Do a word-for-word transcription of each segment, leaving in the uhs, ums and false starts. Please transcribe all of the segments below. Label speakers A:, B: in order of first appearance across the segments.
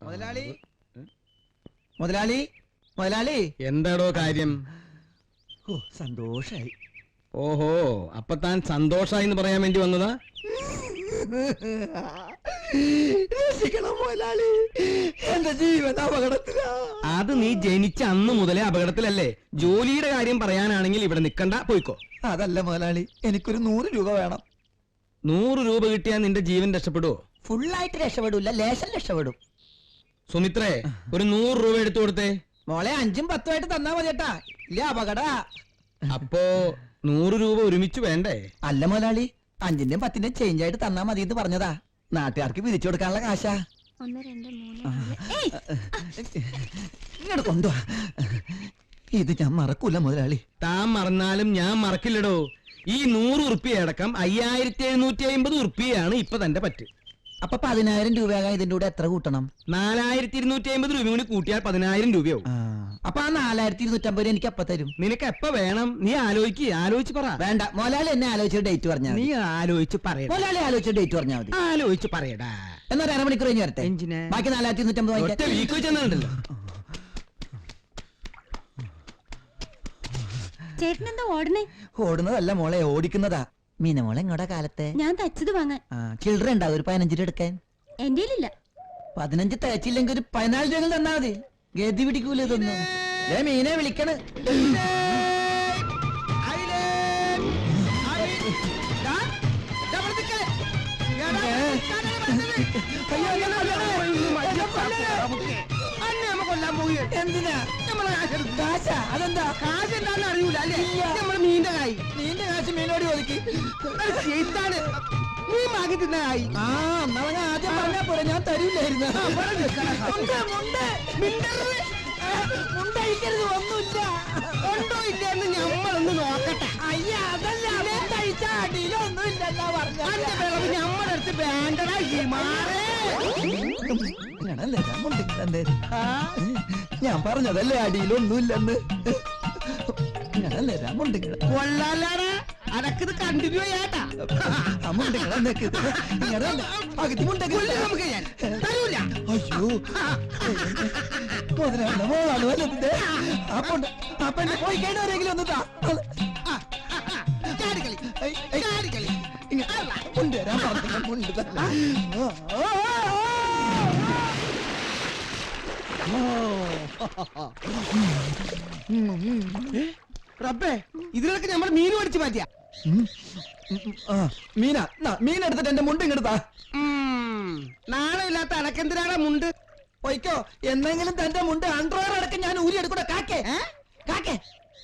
A: മുതലാളി മുതലാളി മുതലാളി
B: എന്താടോ കാര്യം?
A: ഓ സന്തോഷായി.
B: ഓഹോ, അപ്പൊ താൻ സന്തോഷായി എന്ന് പറയാൻ വേണ്ടി വന്നതാ?
A: മുതലാളി, എന്റെ ജീവൻ അപകടത്തിലാ.
B: അത് നീ ജനിച്ച അന്ന് മുതലേ അപകടത്തിലല്ലേ? ജോലിയുടെ കാര്യം പറയാനാണെങ്കിൽ ഇവിടെ നിക്കണ്ട, പോയിക്കോ.
A: അതല്ല മുതലാളി, എനിക്കൊരു നൂറ് രൂപ വേണം.
B: നൂറ് രൂപ കിട്ടിയാൽ നിന്റെ ജീവൻ രക്ഷപ്പെടുവോ?
A: ഫുള്ളായിട്ട് രക്ഷപ്പെടൂല, ലേശം രക്ഷപ്പെടും.
B: സുമിത്രേ, ഒരു നൂറ് രൂപ എടുത്തു കൊടുത്തേ.
A: മോളെ അഞ്ചും പത്തുമായിട്ട് തന്നാ മതിയേട്ടാ, ഇല്ല അപകട.
B: അപ്പോ നൂറ് രൂപ ഒരുമിച്ച് വേണ്ടേ?
A: അല്ല മുതലാളി, അഞ്ചിന്റെയും പത്തിന്റെയും ചേഞ്ച് ആയിട്ട് തന്നാ മതി എന്ന് പറഞ്ഞതാ. നാട്ടുകാർക്ക് പിരിച്ചു കൊടുക്കാനുള്ള കാശാ. ഇങ്ങോട്ട് കൊണ്ടുവാ. ഇത് ഞാൻ മറക്കൂല മുതലാളി.
B: താൻ മറന്നാലും ഞാൻ മറക്കില്ലടോ. ഈ നൂറ് ഉറുപ്പിയ അടക്കം അയ്യായിരത്തി എഴുന്നൂറ്റി അമ്പത് ഉറുപ്പിയാണ് ഇപ്പൊ തന്റെ പറ്റ്.
A: അപ്പൊ പതിനായിരം രൂപയാകാൻ ഇതിന്റെ കൂടെ എത്ര കൂട്ടണം?
B: നാലായിരത്തി ഇരുന്നൂറ്റി അമ്പത് രൂപ കൂടി കൂട്ടിയാൽ പതിനായിരം രൂപയാവും.
A: അപ്പൊ ആ നാലായിരത്തി ഇരുന്നൂറ്റമ്പത് രൂപ എനിക്ക് എപ്പ തരും?
B: നിനക്ക് എപ്പ വേണം? നീ ആലോചിക്ക്, ആലോചിച്ച് പറ.
A: വേണ്ട, മോലാളി എന്നെ ആലോചിച്ച ഡേറ്റ് പറഞ്ഞാ
B: നീ ആലോചിച്ച് പറയടാ.
A: മോലാളി ആലോചിച്ച ഡേറ്റ് പറഞ്ഞാൽ മതി.
B: ആലോചിച്ച് പറയടാ.
A: എന്നാ ഒരു അരമണിക്കൂർ കഴിഞ്ഞ് വരട്ടെ. ബാക്കി നാലായിരത്തി ഇരുന്നൂറ്റമ്പത്
B: വീക്ക് ചെന്നുണ്ടല്ലോ.
C: ചേട്ടനെന്താ ഓടണേ?
A: ഓടുന്നതല്ല മോളെ, ഓടിക്കുന്നതാ. മീന മോളെ ഇങ്ങോടെ കാലത്തെ
C: ഞാൻ തച്ചത് വാങ്ങാൻ.
A: ചിൽഡ്രൻ ഉണ്ടാവും ഒരു പതിനഞ്ച് രൂപ എടുക്കാൻ.
C: എന്റെ
A: പതിനഞ്ച് തയ്ച്ചില്ലെങ്കിൽ ഒരു പതിനാല് രൂപ തന്നാ മതി. ഗതി പിടിക്കൂല ഇതൊന്നും. മീനെ വിളിക്കണ്. എന്തിനാ? അതെന്താ കാശ് എന്താന്ന് അറിയൂല അല്ലേ? നമ്മള് മീന്റെ കായ്, മീന്റെ കാശ് മീനോട് ഒതുക്കി നീ മാക്കി തിന്ന കായ്. ആ എന്നാ ആദ്യം പറഞ്ഞാ പോലെ ഞാൻ തരൂലായിരുന്നു. മുണ്ടഴിക്കരുത്, ഒന്നുമില്ല. ഉണ്ടോ ഇല്ല എന്ന് ഞമ്മളൊന്ന് നോക്കട്ടെ. അയ്യ അതല്ല, കഴിച്ച അടിയിലൊന്നും ഇല്ലെന്നാ പറഞ്ഞ. ഞമ്മടെ അടുത്ത് വേണ്ടടാ മാറേ. ഞാൻ പറഞ്ഞതല്ലേ അടിയിലൊന്നുമില്ലെന്ന്. കൊള്ളാലാടാ, അടക്കത് കണ്ടിന്യൂ ചെയ്യാട്ടാ. അയ്യോ മുതലാണ് മോളാണ് വല്ലതിന്റെ. അപ്പൊ അപ്പൊ എന്നെ പോയി കഴിഞ്ഞവരെങ്കിലും ഒന്ന് താ. മുണ്ടുവരാൻ പറഞ്ഞ മുണ്ട് തന്നെ.
B: റബ്ബേ, ഇതിലൊക്കെ നമ്മൾ മീൻ മേടിച്ചു മാറ്റിയ.
A: മീന മീൻ എടുത്തിട്ട് എന്റെ മുണ്ട് ഇങ്ങെടുത്താ.
B: നാളെ ഇല്ലാത്ത അനക്കെന്തിനാണ് മുണ്ട്?
A: പൊയ്ക്കോ, എന്നെങ്കിലും തന്റെ മുണ്ട് അണ്ടർവെയർ അടക്കം ഞാൻ ഊരി എടുക്കൂടെ. കാക്കേ കാക്കേ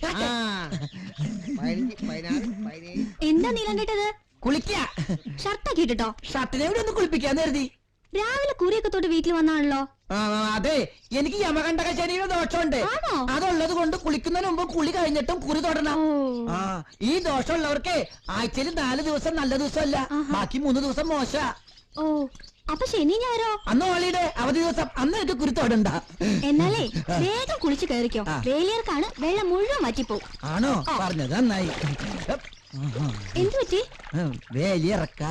C: എന്താ നീലണ്ടത്?
A: കുളിക്ക.
C: ഷർട്ടൊക്കെ ഇട്ടോ?
A: ഷർട്ടിനെ കൂടി ഒന്ന് കുളിപ്പിക്കാന്ന് കരുതി.
C: രാവിലെ കുറിയൊക്കെ തൊട്ട് വീട്ടിൽ വന്നാണല്ലോ.
A: അതെ, എനിക്ക് യമകണ്ഠക ശരീരം ദോഷമുണ്ട്. അതുള്ളത് കൊണ്ട് കുളിക്കുന്നതിന് മുമ്പ് കുളി കഴിഞ്ഞിട്ടും കുറി തൊടണം. ആ ഈ ദോഷമുള്ളവർക്ക് ആഴ്ചയിൽ നാല് ദിവസം നല്ല ദിവസമല്ല, ബാക്കി മൂന്ന് ദിവസം മോശ.
C: ഓ, അപ്പൊ ശനി ഞായറോ?
A: അന്ന് ഹോളിഡേ അവധി ദിവസം, അന്ന് എനിക്ക് കുറി തൊടണ്ട.
C: എന്നാലേ വേഗം കുളിച്ച് കയറിക്കോ, വേലിയർക്കാണ് വെള്ളം മുഴുവൻ മാറ്റിപ്പോവും.
A: ആണോ? പറഞ്ഞത് നന്നായി.
C: എന്തു പറ്റി?
A: വേലിയിറക്ക.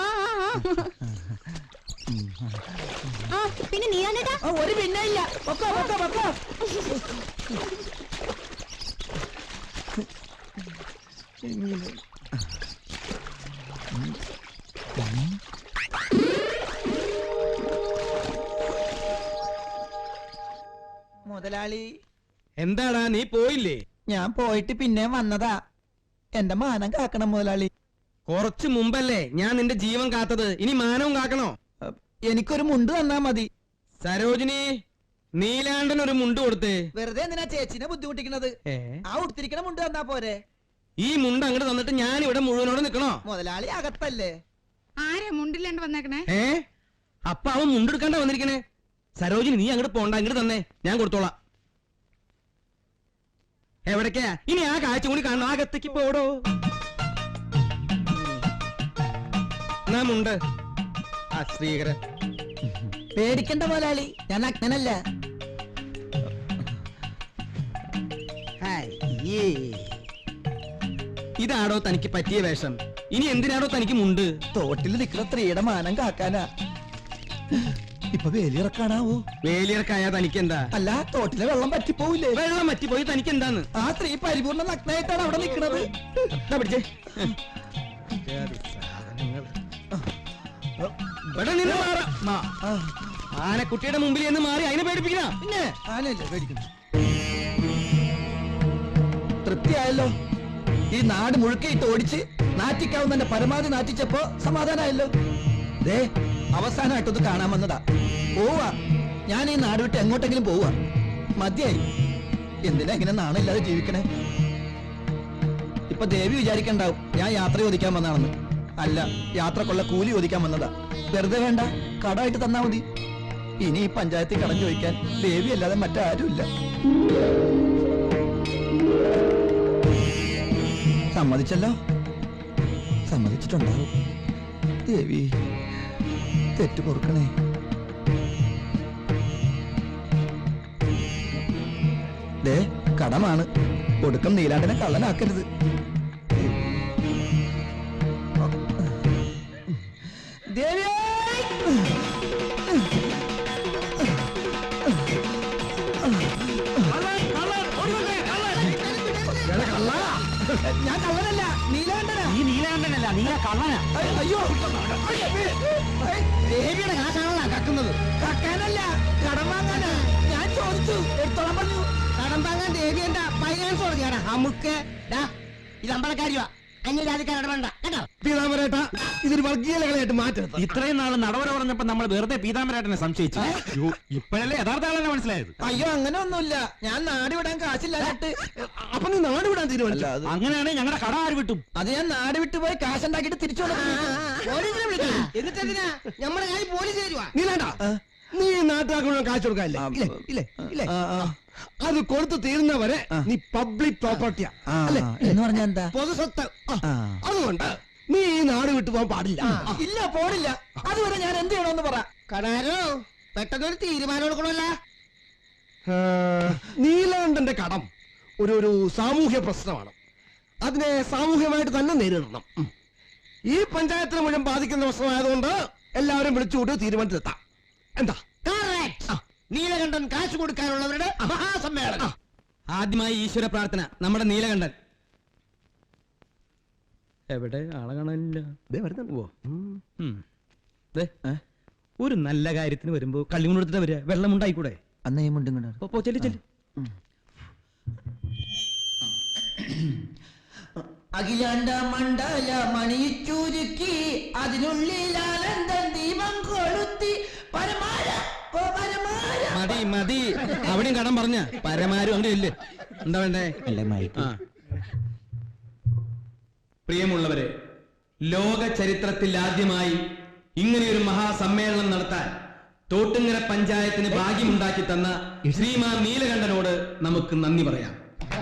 C: ആ പിന്നെ നീയാണ്ടേട്ടാ?
A: ഒരു പിന്നെ ഇല്ല. മുതലാളി.
B: എന്താടാ നീ പോയില്ലേ?
A: ഞാൻ പോയിട്ട് പിന്നെ വന്നതാ. എന്റെ മാനം കാക്കണം മുതലാളി.
B: കുറച്ചു മുമ്പല്ലേ ഞാൻ നിന്റെ ജീവൻ കാത്തത്, ഇനി മാനവും കാക്കണോ?
A: എനിക്കൊരു മുണ്ട് തന്നാ മതി.
B: സരോജിനി, നീലാണ്ടൻ ഒരു മുണ്ട് കൊടുത്തേ.
A: വെറുതെ എന്തിനാ ചേച്ചിനെ ബുദ്ധിമുട്ടിക്കണത്? ആ ഉടുത്തിരിക്കണ മുണ്ട് തന്നാ പോരെ?
B: ഈ മുണ്ട് അങ്ങോട്ട് തന്നിട്ട് ഞാൻ ഇവിടെ മുഴുവനോടെ നിക്കണോ?
A: മുതലാളി അകത്തല്ലേ.
D: ആരാ മുണ്ടില്ലാണ്ട് വന്നേക്കണേ?
B: ഏ അപ്പൊ അവൻ മുണ്ടെടുക്കാണ്ട വന്നിരിക്കണേ. സരോജിനി, നീ അങ്ങോട്ട് പോണ്ട, അങ്ങോട്ട് തന്നെ, ഞാൻ കൊടുത്തോളാം. എവിടേക്കാ ഇനി ആ കാഴ്ച കൂടി കാണണം. അകത്തേക്ക് പോടോ. എന്നാ മുണ്ട്. ആ ശ്രീകരൻ,
A: പേടിക്കണ്ട മുതലാളി, ഞാൻ അജ്ഞനല്ല.
B: ഇതാടോ തനിക്ക് പറ്റിയ വേഷം? ഇനി എന്തിനാടോ തനിക്ക് മുണ്ട്?
A: തോട്ടിൽ നിൽക്കുന്ന സ്ത്രീയുടെ മാനം കാക്കാനാ. ഇപ്പൊ വേലിയിറക്കാണാവോ?
B: വേലിയർക്കായാ തനിക്കെന്താ?
A: അല്ല, തോട്ടിലെ വെള്ളം പറ്റിപ്പോവില്ലേ?
B: വെള്ളം പറ്റിപ്പോയി തനിക്കെന്താന്ന്?
A: ആ സ്ത്രീ പരിപൂർണ്ണ നഗ്നായിട്ടാണ് അവിടെ നിൽക്കുന്നത്.
B: ദാ പിടിച്ചേ. ഇവിടെ നിന്ന് മാറാ. മാ. ആനക്കുട്ടിയുടെ മുമ്പിൽ നിന്ന് മാറി അതിനെ പേടിപ്പിക്കണ.
A: പിന്നെ ആനല്ലേ പേടിക്കുന്നു. തൃപ്തിയായല്ലോ. ഈ നാട് മുഴുക്കയിട്ട് ഓടിച്ച് നാറ്റിക്കാവുന്ന പരമാവധി നാറ്റിച്ചപ്പോ സമാധാനമായല്ലോ. ദേ, അവസാനമായിട്ടൊന്ന് കാണാൻ വന്നതാ. പോവാ, ഞാൻ ഈ നാട് വിട്ട് എങ്ങോട്ടെങ്കിലും പോവാ. മതിയായി. എന്തിനാ ഇങ്ങനെ നാണില്ലാതെ ജീവിക്കണേ? ഇപ്പൊ ദേവി വിചാരിക്കണ്ടാവും ഞാൻ യാത്ര ചോദിക്കാൻ വന്നാണെന്ന്. അല്ല, യാത്രക്കുള്ള കൂലി ചോദിക്കാൻ വന്നതാ. വെറുതെ വേണ്ട, കടമായിട്ട് തന്നാ മതി. ഇനി ഈ പഞ്ചായത്തിൽ കടം ചോദിക്കാൻ ദേവി അല്ലാതെ മറ്റാരുമില്ല. സമ്മതിച്ചല്ലോ? സമ്മതിച്ചിട്ടുണ്ടാവും. ദേവി, തെറ്റു പൊറുക്കണേ. ദേ, കടമാണ്. ഒടുക്കം നീലാണ്ടിനെ കള്ളനാക്കരുത്. ദേവി, ഞാൻ കള്ളനല്ല, നീലാണ്ടനാ.
B: ഈ നീലാണ്ടനല്ല, നീല കള്ളനാ.
A: അയ്യോ,
B: ദേവിയുടെ കാശാണല്ലോ കക്കുന്നത്.
A: കക്കാനല്ല, കടം വാങ്ങാനാ. ഞാൻ ചോദിച്ചു, എടുത്തോളാൻ പറഞ്ഞു.
B: കടം വാങ്ങാൻ ദേവി എന്താ ഫൈനാൻസ് തുടങ്ങിയാണ്. നമുക്ക് ഇത് അമ്പലക്കാരിയാ, അന്യജാതിക്കാരുടെ വേണ്ട കേട്ടോ. പീതാമരേട്ട, ഇതൊരു വർഗീയതകളായിട്ട് മാറ്റരുത്. ഇത്രയും നാള് നടവര പറഞ്ഞപ്പോ നമ്മൾ വെറുതെ പീതാമരേട്ടനെ സംശയിച്ചു. ഇപ്പോഴല്ലേ യഥാർത്ഥ ആളെന്നെ മനസ്സിലായത്.
A: അയ്യോ, അങ്ങനെ ഒന്നുമില്ല. ഞാൻ നാട് വിടാൻ കാശില്ലായിട്ട്.
B: അപ്പൊ നീ നാട് വിടാൻ തീരുമാനിച്ചു? അങ്ങനെയാണെങ്കിൽ ഞങ്ങളുടെ കട ആര് വിട്ടും?
A: അത് ഞാൻ നാട് വിട്ടു പോയി കാശുണ്ടാക്കിട്ട് തിരിച്ചു
B: എന്നിട്ട് എന്തിനാ നമ്മുടെ കാര്യം പോലീസ് തരുവാ? നീ വേണ്ട, നീ നാട്ടുകാർക്ക് കാശ് കൊടുക്കാനില്ലേ? ഇല്ലേ ഇല്ലേ? അത് കൊടുത്തു തീരുന്നവരെ നീ പബ്ലിക് പ്രോപ്പർട്ടിയാ അല്ലേ?
A: എന്ന് പറഞ്ഞാ എന്താ?
B: പൊതുസ്വത്ത്. അതുകൊണ്ട് നീ ഈ നാട് വിട്ടു പോകാൻ പാടില്ല.
A: ഇല്ല, പോടില്ല. അതുവരെ ഞാൻ എന്ത് ചെയ്യണമെന്ന് പറ.
B: കടാരോ, പെട്ടെന്നൊരു തീരുമാനം എടുക്കണമല്ല. നീലാണ്ടന്റെ കടം ഒരു ഒരു സാമൂഹ്യ പ്രശ്നമാണ്. അതിനെ സാമൂഹ്യമായിട്ട് തന്നെ നേരിടണം. ഈ പഞ്ചായത്തിനെ മുഴുവൻ ബാധിക്കുന്ന പ്രശ്നമായതുകൊണ്ട് എല്ലാവരും വിളിച്ചുകൊണ്ട് തീരുമാനത്തിലെത്താം. എന്താ? നീലകണ്ഠൻ കാശ് കൊടുക്കാനുള്ളവരുടെ മഹാസമ്മേളനം. ആദ്യമായി ഈശ്വര പ്രാർത്ഥന. നമ്മുടെ നീലകണ്ഠൻ എവിടെ? ആളെ കാണാനില്ല. ഒരു നല്ല കാര്യത്തിന് വരുമ്പോ കള്ളിമുണ്ടെടുത്തിട്ട് വരിക. വെള്ളം ഉണ്ടായിക്കൂടെ?
A: അന്ന് ഈ മുണ്ടും കണ്ടോ?
B: പോ, ചെല്ലു ചെല്ലു.
A: അഖിലാണ്ട മണ്ഡല മണിച്ചുരുക്കി അതിനുള്ളിൽ ആനന്ദം ദീപം കൊളുത്തി പരമാര ഓ പരമാര.
B: മതി മതി, അവിടെയും കടം പറഞ്ഞ പരമാരും അങ്ങനെ ഇല്ലേ? എന്താ വേണ്ടേ? ആ. പ്രിയമുള്ളവരെ, ലോക ചരിത്രത്തിൽ ആദ്യമായി ഇങ്ങനെയൊരു മഹാസമ്മേളനം നടത്താൻ തോട്ടുങ്ങര പഞ്ചായത്തിന് ഭാഗ്യമുണ്ടാക്കി തന്ന ശ്രീമാൻ നീലകണ്ഠനോട് നമുക്ക് നന്ദി പറയാം.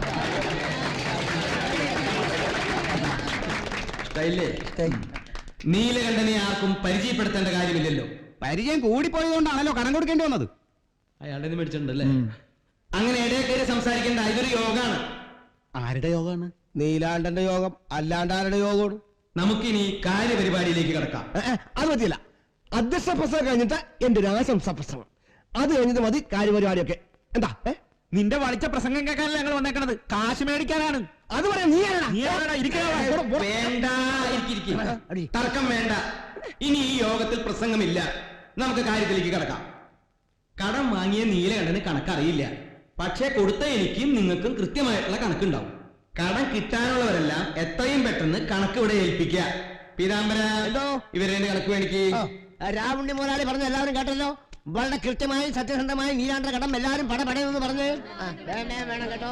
B: നീലകണ്ഠനെ ആർക്കും പരിചയപ്പെടുത്തേണ്ട കാര്യമില്ലല്ലോ.
E: പരിചയം കൂടിപ്പോയതുകൊണ്ടാണല്ലോ കടം കൊടുക്കേണ്ടി വന്നത്.
B: അയാളുടെ മേടിച്ചിട്ടുണ്ടല്ലേ? അങ്ങനെ ഇടയിൽ കയറി സംസാരിക്കേണ്ട ഇതൊരു യോഗമാണ്.
E: ആരുടെ യോഗമാണ്?
B: നീലാണ്ടന്റെ യോഗം. അല്ലാണ്ട് ആരുടെ യോഗമാണ്? നമുക്കിനി കാര്യപരിപാടിയിലേക്ക് കിടക്കാം.
E: അത് പറ്റില്ല. അധ്യക്ഷ പ്രസംഗം കഴിഞ്ഞിട്ട് എന്റെ ഒരു ആശംസ പ്രസംഗം, അത് കഴിഞ്ഞിട്ട് മതി കാര്യപരിപാടിയൊക്കെ. എന്താ?
B: നിന്റെ വളിച്ച പ്രസംഗം കേൾക്കാനല്ല ഞങ്ങൾ വന്നേക്കണത്, കാശ് മേടിക്കാനാണ്.
E: അത് പറയാം. നീ
B: വേണ്ട, തർക്കം വേണ്ട. ഇനി ഈ യോഗത്തിൽ പ്രസംഗമില്ല. നമുക്ക് കാര്യത്തിലേക്ക് കിടക്കാം. കടം വാങ്ങിയ നീലകണ്ഠന് കണക്കറിയില്ല. പക്ഷെ കൊടുത്ത എനിക്കും നിങ്ങൾക്കും കൃത്യമായിട്ടുള്ള കണക്കുണ്ടാവും. കടം കിട്ടാനുള്ളവരെല്ലാം എത്രയും പെട്ടെന്ന് കണക്ക് ഇവിടെ ഏൽപ്പിക്കുക. പീതാംബര, ഇവരെ കണക്ക് മേടിക്ക്.
E: രാവുണ്ണി മുതലാളി പറഞ്ഞ എല്ലാവരും കേട്ടല്ലോ. വളരെ കൃത്യമായി സത്യസന്ധമായി നീലാണ്ട കടം എല്ലാവരും പട പടയെന്ന് പറഞ്ഞ് വേണം കേട്ടോ.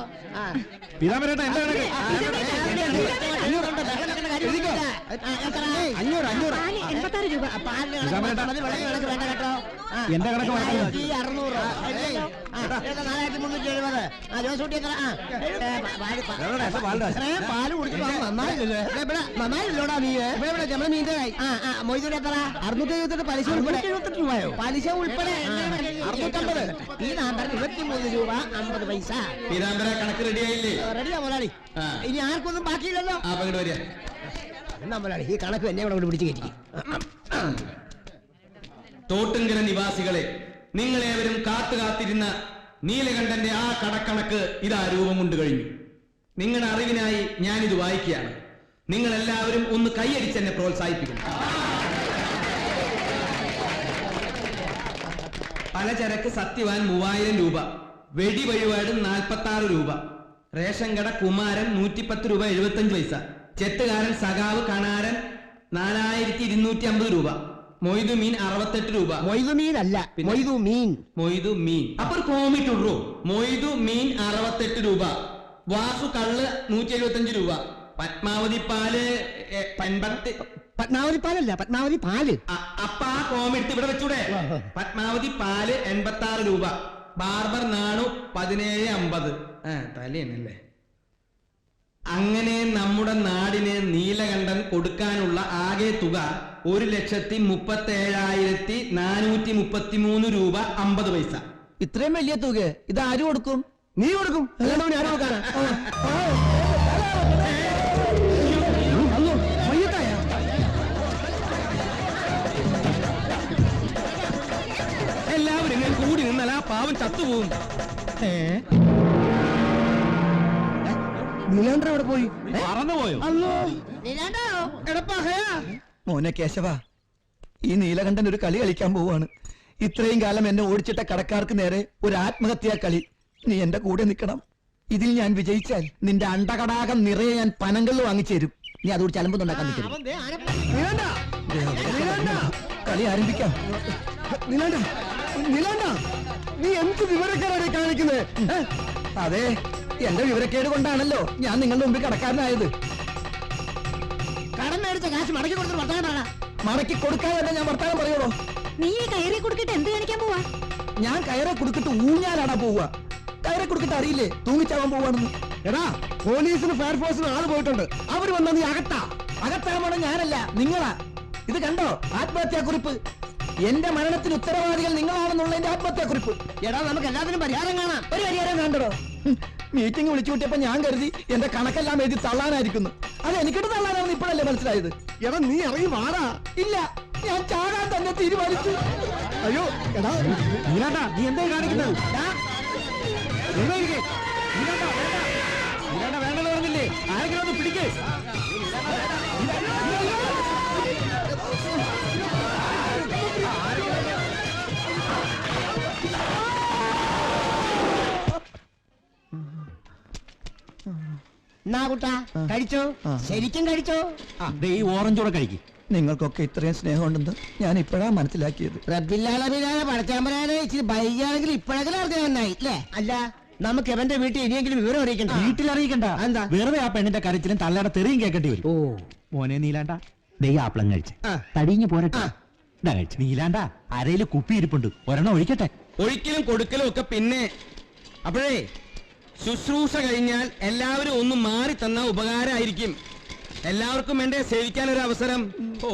B: അഞ്ഞൂറ് അഞ്ഞൂറ്
C: എൺപത്താറ് രൂപ.
E: വേണ്ട കേട്ടോ.
B: എന്റെ കണക്ക്
E: അറുന്നൂറ് നാലായിരത്തി മുന്നൂറ്റി എഴുപത്. ജോസൂട്ടി എത്ര? പാല് കുടിച്ചിട്ട് നന്നായില്ലല്ലോ. നന്നായില്ലോടാ നീ. നമ്മള് മീൻ്റെ മൊയ്തൂര് എത്ര? അറുന്നൂറ്റി എഴുപത്തെട്ട് പലിശ ഉൾപ്പെടെ. എഴുപത്തെട്ട് രൂപയോ? പലിശ ഉൾപ്പെടെ അറുന്നൂറ്റമ്പത്. ഈ നാമ്പർ ഇരുപത്തിമൂന്ന് രൂപ അമ്പത് പൈസ.
B: പീതാംബര, കണക്ക് റെഡിയായില്ലേ?
E: റെഡിയാ മുതലാളി. ഇനി ആർക്കൊന്നും ബാക്കിയില്ലല്ലോ.
B: വരിക.
E: എന്നാ മുതലാളി, ഈ കണക്ക് എന്നെ ഇവിടെ പിടിച്ച് കയറ്റി.
B: തോട്ടുങ്കര നിവാസികളെ, നിങ്ങളേവരും കാത്തു കാത്തിരുന്ന നീലകണ്ഠന്റെ ആ കടക്കണക്ക് ഇതാ രൂപം കൊണ്ട് കഴിഞ്ഞു. നിങ്ങളുടെ അറിവിനായി ഞാനിത് വായിക്കുകയാണ്. നിങ്ങൾ എല്ലാവരും ഒന്ന് കൈയടിച്ചെന്നെ പ്രോത്സാഹിപ്പിക്കണം. പലചരക്ക് സത്യവാൻ മൂവായിരം രൂപ, വെടി വഴിപാട് നാൽപ്പത്തി ആറ് രൂപ, റേഷൻ കട കുമാരൻ നൂറ്റിപ്പത്ത് രൂപ എഴുപത്തഞ്ച് പൈസ, ചെത്തുകാരൻ സഖാവ് കണാരൻ നാലായിരത്തി ഇരുന്നൂറ്റി അമ്പത് രൂപ, മൊയ്തു മീൻ അറുപത്തെട്ട് രൂപ.
E: മൊയ്തു മീൻ അല്ല, മൊയ്തു മീൻ.
B: മൊയ്തു മീൻ അപ്പൊ ഒരു കോമിട്ടുള്ളൂ. മൊയ്തു മീൻ അറുപത്തെട്ട് രൂപ, വാസു കള്ള് നൂറ്റി എഴുപത്തി അഞ്ച് രൂപ, പത്മാവതി പാല് എൺപത്തി
E: പത്മാവതി പാലല്ല, പത്മാവതി പാല്.
B: അപ്പ ആ കോമെടുത്ത് ഇവിടെ വെച്ചൂടെ. പത്മാവതി പാല് എൺപത്തി ആറ് രൂപ, ബാർബർ നാണു പതിനേഴ് അമ്പത്. ആ തലയാണല്ലേ. അങ്ങനെ നമ്മുടെ നാടിന് നീലകണ്ഠൻ കൊടുക്കാനുള്ള ആകെ തുക ഒരു ലക്ഷത്തി മുപ്പത്തി ഏഴായിരത്തി നാനൂറ്റി മുപ്പത്തി മൂന്ന് രൂപ അമ്പത് പൈസ.
A: ഇത്രയും വലിയ തുക ഇത് ആര് കൊടുക്കും?
E: നീ കൊടുക്കും. അല്ലാണ്ട് ഞാൻ കൊടുക്കാനാ?
B: എല്ലാവരും ഇങ്ങനെ കൂടി നിന്നാൽ ആ പാവം ചത്തുപോകും.
E: നീലാണ്ടർ എവിടെ പോയി?
B: മറന്നുപോയോ?
A: മോനെ കേശവ, ഈ നീലകണ്ഠൻ ഒരു കളി കളിക്കാൻ പോവാണ്. ഇത്രയും കാലം എന്നെ ഓടിച്ചിട്ട കടക്കാർക്ക് നേരെ ഒരു ആത്മഹത്യാ കളി. നീ എന്റെ കൂടെ നിൽക്കണം. ഇതിൽ ഞാൻ വിജയിച്ചാൽ നിന്റെ അണ്ടകടാകം നിറയെ ഞാൻ പനങ്കല്ല് വാങ്ങിച്ചേരും. നീ അതോട് ചലമ്പൊന്നുണ്ടാക്കാൻ നിൽക്കരുത്. കളി ആരംഭിക്കാം.
E: നീലാണ്ട, നീലാണ്ട, നീ എന്ത് വിവരക്കാരാണ് കാണിക്കുന്നത്?
A: അതെ, എന്റെ വിവരക്കേട് കൊണ്ടാണല്ലോ ഞാൻ നിങ്ങളുടെ മുമ്പിൽ കടക്കാരനായത്.
E: കടം മേടിച്ച കാശ് മടക്കി കൊടുത്തിട്ട് വർത്തമാനാണ്.
A: മടക്കി കൊടുക്കാതെ ഞാൻ വർത്താനം പറയുള്ളൂ.
C: നീ ഈ കയറി കൊടുത്തിട്ട് എന്ത് കാണിക്കാൻ പോവാ?
A: ഞാൻ കയറെ കൊടുത്തിട്ട് ഊഞ്ഞാലാടാ പോവുക. കയറെ കൊടുത്തിട്ട് അറിയില്ലേ തൂങ്ങിച്ചാവാൻ പോവാണെന്ന്.
E: എടാ, പോലീസിന് ഫയർഫോഴ്സിന് ആള് പോയിട്ടുണ്ട്. അവര് വന്നാ നീ അകത്താ.
A: അകത്താമണം ഞാനല്ല, നിങ്ങളാ. ഇത് കണ്ടോ ആത്മഹത്യാക്കുറിപ്പ്? എന്റെ മരണത്തിന് ഉത്തരവാദികൾ നിങ്ങളാണെന്നുള്ളതിന്റെ ആത്മഹത്യാക്കുറിപ്പ്.
E: എടാ, നമുക്ക് എല്ലാത്തിനും പരിഹാരം കാണാം.
A: ഒരു പരിഹാരം കണ്ടോ? മീറ്റിംഗ് വിളിച്ചു കൂട്ടിയപ്പോ ഞാൻ കരുതി എന്റെ കണക്കെല്ലാം എഴുതി തള്ളാനായിരിക്കുന്നു. അത് എനിക്കിട്ട് തള്ളാനാണെന്ന് ഇപ്പോഴല്ലേ മനസ്സിലായത്.
E: എടാ, നീ ഇറങ്ങി വാടാ.
A: ഇല്ല, ഞാൻ ചാകാൻ തന്നെ തീരുമാനിച്ചു.
E: അയ്യോ, എടാ നീലാണ്ട, നീ എന്തായി കാണിക്കുന്നത്? വേണ്ടെന്ന് പറഞ്ഞില്ലേ? ആരെങ്കിലും ഒന്ന് പിടിക്കേ. കഴിച്ചോ, ശരിക്കും കഴിച്ചോ.
B: ഈ ഓറഞ്ചോടെ കഴിക്കും.
A: നിങ്ങൾക്കൊക്കെ ഇത്രയും സ്നേഹമുണ്ടെന്ന് ഞാൻ ഇപ്പോഴാ മനസ്സിലാക്കിയത്.
E: ഇച്ചിരി ബൈകാണെങ്കിൽ ഇപ്പോഴെങ്കിലും അറിഞ്ഞ നന്നായി അല്ലേ? അല്ല, നമുക്ക് എവന്റെ വീട്ടിൽ ഇനിയെങ്കിലും വിവരം അറിയിക്കണ്ട.
F: വീട്ടിൽ അറിയിക്കണ്ട.
E: എന്താ?
F: വെറുതെ ആ പെണ്ണിന്റെ കരച്ചിലും തള്ളയുടെ തെറിയും കേൾക്കേണ്ടി വരും.
E: ഓ
F: മോനെ നീലാണ്ട, ദേ ആപ്പിളം കഴിച്ച് തടിഞ്ഞു പോരട്ടെ. ഇതാ കഴിച്ചു. നീലാണ്ട, അരയില് കുപ്പി ഇരിപ്പുണ്ട്, ഒരെണ്ണം ഒഴിക്കട്ടെ.
B: ഒഴിക്കലും കൊടുക്കലും ഒക്കെ പിന്നെ. അപ്പോഴേ ശുശ്രൂഷ കഴിഞ്ഞാൽ എല്ലാവരും ഒന്ന് മാറി തന്ന ഉപകാരമായിരിക്കും. എല്ലാവർക്കും വേണ്ടേ സേവിക്കാൻ ഒരു അവസരം. ഓ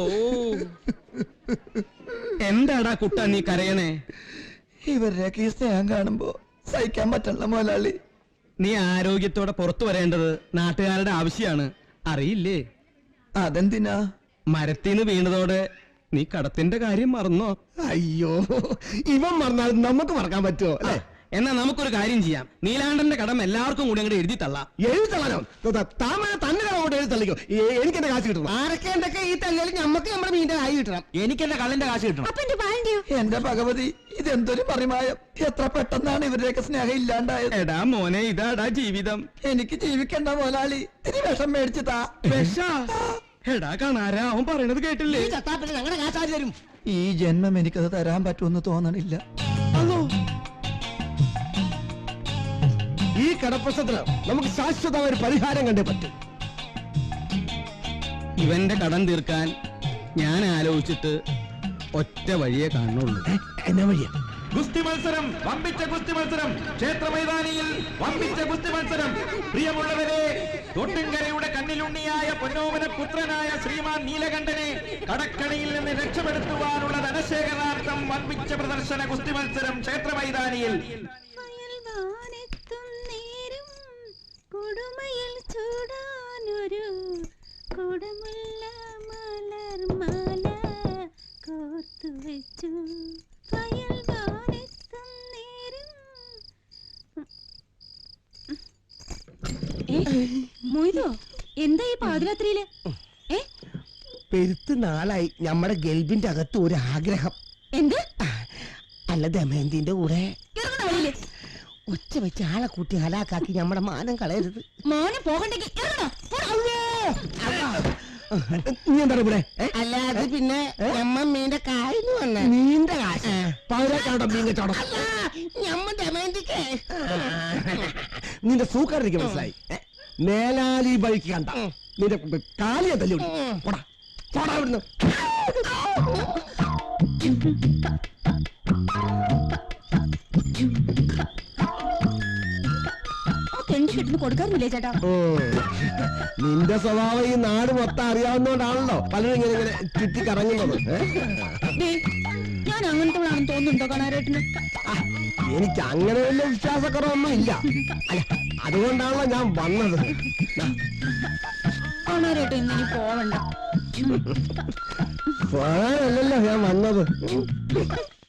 B: എന്താടാ കുട്ട നീ കരയണേ?
A: ഇവരുടെയൊക്കെ ഈ സ്നേഹം കാണുമ്പോ സഹിക്കാൻ പറ്റണ മുതലാളി.
B: നീ ആരോഗ്യത്തോടെ പുറത്തു വരേണ്ടത് നാട്ടുകാരുടെ ആവശ്യമാണ്, അറിയില്ലേ?
A: അതെന്തിനാ?
B: മരത്തിന്ന് വീണതോടെ നീ കടത്തിന്റെ കാര്യം മറന്നോ?
E: അയ്യോ, ഇവൻ മറന്നാൽ നമുക്ക് മറക്കാൻ പറ്റുമോ അല്ലേ?
B: എന്നാ നമുക്കൊരു കാര്യം ചെയ്യാം. നീലാണ്ടന്റെ കടം എല്ലാവർക്കും കൂടി അങ്ങോട്ട് എഴുതി തള്ളാം.
E: എഴുതി തള്ളാനോ? താമര തന്നെ അങ്ങോട്ട് എഴുതി തള്ളിക്കോ. എനിക്ക് എന്റെ കാശ് കിട്ടണം. ആരൊക്കെ എന്തൊക്കെ ഈ തള്ളിയാലും നമുക്ക് നമ്മുടെ മീന്റെ കായ് കിട്ടണം.
F: എനിക്ക് എന്റെ കള്ളിന്റെ കാശ് കിട്ടണം.
C: അപ്പൊ എന്റെ വാഴന്റെയോ?
A: എന്റെ ഭഗവതി, ഇതെന്തൊരു പരിമായം! എത്ര പെട്ടെന്നാണ് ഇവരുടെയൊക്കെ സ്നേഹം ഇല്ലാണ്ടായത്.
B: എടാ മോനെ, ഇതാടാ ജീവിതം.
A: എനിക്ക് ജീവിക്കണ്ട മുതലാളി, ഇത്തിരി വിഷം മേടിച്ചു താ.
B: വിഷ? എടാ കാണാരാ, അവൻ പറയണത് കേട്ടില്ലേ?
E: ഈ ചത്താപ്പിന് ഞങ്ങളുടെ കാശ് ആര് തരും?
A: ഈ ജന്മം എനിക്കത് തരാൻ പറ്റുമെന്ന് തോന്നണില്ല.
E: ഈ കടപ്രശ്നത്തിന് നമുക്ക് ശാശ്വതമായ ഒരു പരിഹാരം കണ്ടേ പറ്റും.
B: ഇവന്റെ കടം തീർക്കാൻ ഞാൻ ആലോചിച്ചിട്ട് ഒറ്റ വഴിയെ കാണുള്ളൂ.
E: എന്നാ വഴിയാ?
F: ഗുസ്തി മത്സരം, വമ്പിച്ച ഗുസ്തി മത്സരം, ക്ഷേത്ര മൈതാനിയിൽ വമ്പിച്ച ഗുസ്തി മത്സരം. പ്രിയമുള്ളവരെ, തൊട്ടുംകരയുടെ കണ്ണിലുണ്ണിയായ പൊന്നോമന പുത്രനായ ശ്രീമാൻ നീലകണ്ഠനെ കടക്കണിയിൽ നിന്ന് രക്ഷപ്പെടുത്തുവാനുള്ള ധനശേഖരണാർത്ഥം വമ്പിച്ച പ്രദർശന ഗുസ്തി മത്സരം ക്ഷേത്ര മൈതാനിയിൽ.
C: കൊടുമയിൽ ചൂടാനൊരു കൊടുമുല്ല മലർമാല കോർത്തു വാനിച്ചു വയൽ വാനെത്തും നേരം. ഏ, മൊയ്തോ എന്താ ഈ പാതിരാത്രിയില്? ഏ
E: പെരുത്ത് നാളായി നമ്മുടെ ഗൾബിന്റെ അകത്ത് ഒരു ആഗ്രഹം.
C: എന്ത്?
E: അല്ല ദമയന്തിന്റെ കൂടെ
C: ഇറങ്ങണ വഴിയില്
E: ഒച്ച വെച്ച് ആളെ കൂട്ടി ഹലാക്കാക്കി നമ്മുടെ മാനം കളയരുത്.
C: മോനെ പോകണ്ടെങ്കിൽ ഇറങ്ങണോ?
E: നീ എന്താണ് ഇവിടെ? അല്ല അത് പിന്നെ ഞമ്മ മീന്റെ കായെന്ന് വന്ന മീന്റെ കാശ് പതിനാക്കാണ്ടോ മീൻ കച്ചവടം. ഞമ്മ ദമയന്തിക്ക് നിന്റെ സൂക്കാരിക്ക് മനസ്സിലായി. മേലാലി ബൈക്ക് കണ്ട നിന്റെ കാലിയെ തല്ലി പോടാ പോടാ ഇവിടുന്ന്.
C: തെണ്ടി കിട്ടുന്നു കൊടുക്കാറില്ലേ ചേട്ടാ?
E: നിന്റെ സ്വഭാവം ഈ നാട് മൊത്തം അറിയാവുന്നോണ്ടാണല്ലോ പലരും ഇങ്ങനെ ഇങ്ങനെ ചുറ്റി കറങ്ങുന്നത്.
C: ദേ, ഞാൻ അങ്ങനത്തെ തോന്നുന്നുണ്ടോ കാണാരേട്ടന്?
E: എനിക്ക് അങ്ങനെ വലിയ വിശ്വാസക്കുറവൊന്നും ഇല്ല. അല്ല അതുകൊണ്ടാണല്ലോ ഞാൻ വന്നത്.
C: കാണാരേട്ടൻ ഇന്നിനി പോവണ്ട.
E: പോകാനല്ലല്ലോ ഞാൻ വന്നത്.